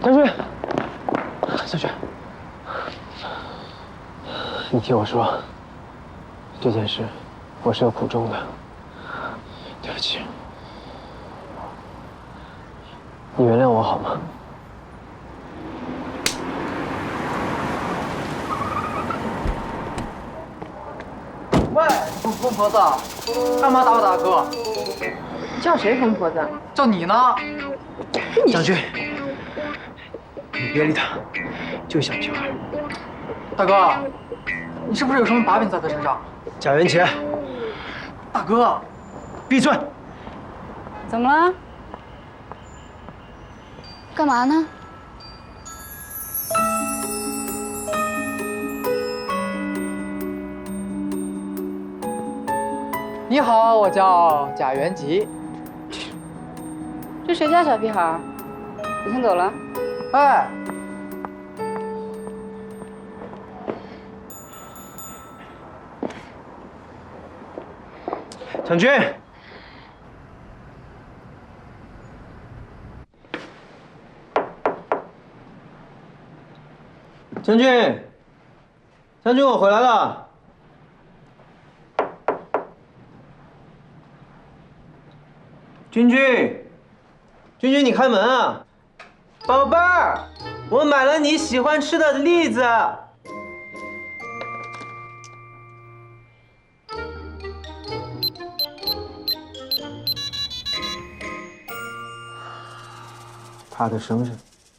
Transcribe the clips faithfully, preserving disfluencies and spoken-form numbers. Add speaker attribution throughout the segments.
Speaker 1: 将军，将军，你听我说，这件事我是有苦衷的，对不起，你原谅我好吗？
Speaker 2: 喂，疯婆子，干嘛打我大哥？
Speaker 3: 叫谁疯婆子？
Speaker 2: 叫你呢。
Speaker 1: 将军，你别理他，就小屁孩。
Speaker 2: 大哥，你是不是有什么把柄在他身上？
Speaker 1: 贾元乾，
Speaker 2: 大哥，
Speaker 1: 闭嘴！
Speaker 3: 怎么了？干嘛呢？
Speaker 2: 你好，我叫贾元吉。
Speaker 3: 这谁家小屁孩？你先走了。
Speaker 2: 哎，
Speaker 1: 将军，将军，将军，我回来了。 君君，君君，你开门啊！宝贝儿，我买了你喜欢吃的栗子。他的生日，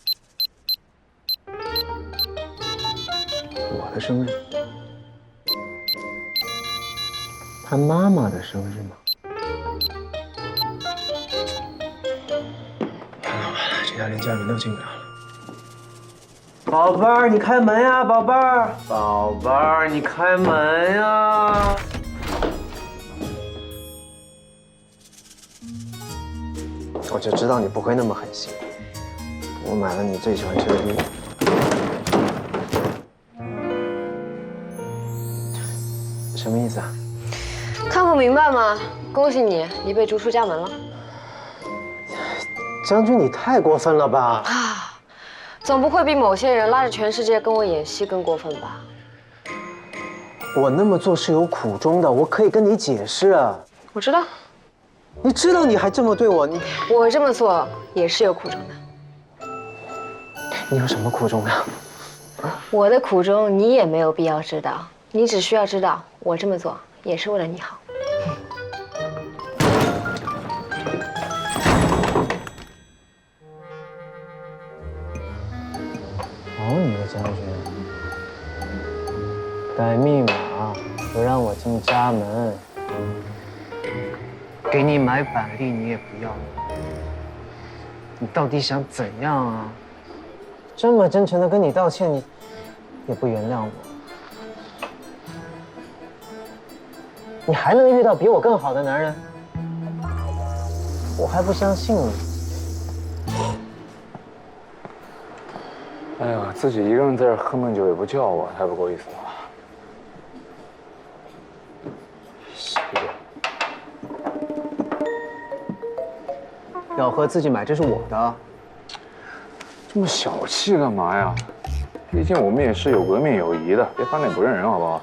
Speaker 1: 我的生日，他妈妈的生日吗？ 这下连家人都进不了了。宝贝儿，你开门呀，宝贝儿！宝贝儿，你开门呀！我就知道你不会那么狠心。我买了你最喜欢吃的栗子。什么意思啊？
Speaker 4: 看不明白吗？恭喜你，你被逐出家门了。
Speaker 1: 将军，你太过分了吧！
Speaker 4: 啊，总不会比某些人拉着全世界跟我演戏更过分吧？
Speaker 1: 我那么做是有苦衷的，我可以跟你解释啊。
Speaker 4: 我知道，
Speaker 1: 你知道你还这么对我，你
Speaker 4: 我这么做也是有苦衷的。
Speaker 1: 你有什么苦衷呀？
Speaker 4: 我的苦衷你也没有必要知道，你只需要知道我这么做也是为了你好。
Speaker 1: 好你个将军，改密码不让我进家门，给你买板栗你也不要，你到底想怎样啊？这么真诚的跟你道歉，你也不原谅我，你还能遇到比我更好的男人？我还不相信呢。
Speaker 5: 哎呀，自己一个人在这喝闷酒也不叫我，太不够意思了。谢谢。
Speaker 1: 要喝自己买，这是我的。
Speaker 5: 这么小气干嘛呀？毕竟我们也是有革命友谊的，别翻脸不认人，好不好？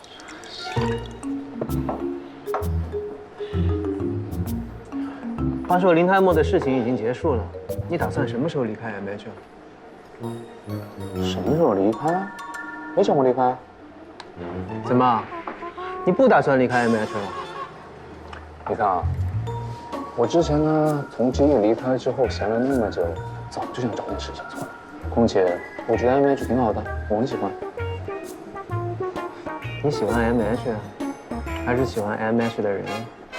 Speaker 1: 话说林泰墨的事情已经结束了，你打算什么时候离开 M H 啊？
Speaker 5: 什么时候离开？没想过离开。
Speaker 1: 怎么，你不打算离开 M H 了？
Speaker 5: 你看啊，我之前呢从职业离开之后闲了那么久，早就想找点事情做了。况且我觉得 M H 挺好的，我很喜欢。
Speaker 1: 你喜欢 M H， 还是喜欢 M H 的人？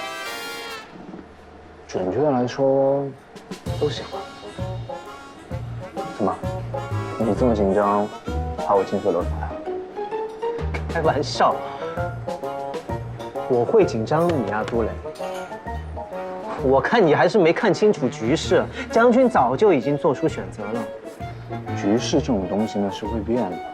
Speaker 5: 准确的来说，都喜欢。怎么？ 你这么紧张，怕我近水楼台啊？
Speaker 1: 开玩笑，我会紧张你啊，杜磊。我看你还是没看清楚局势，将军早就已经做出选择了。
Speaker 5: 局势这种东西呢是会变的，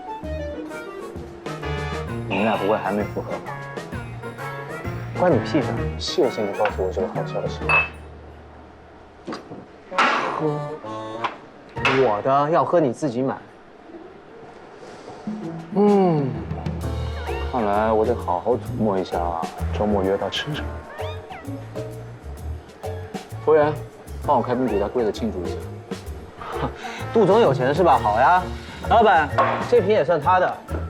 Speaker 5: 你们俩不会还没复合吧？
Speaker 1: 关你屁事！
Speaker 5: 谢谢你告诉我这个好消息。
Speaker 1: 喝， 我的要喝你自己买。
Speaker 5: 嗯，看来我得好好琢磨一下周末约他吃什么。服务员，帮我开瓶比达贵的庆祝一下。
Speaker 1: 杜总有钱是吧？好呀，老板，这瓶也算他的。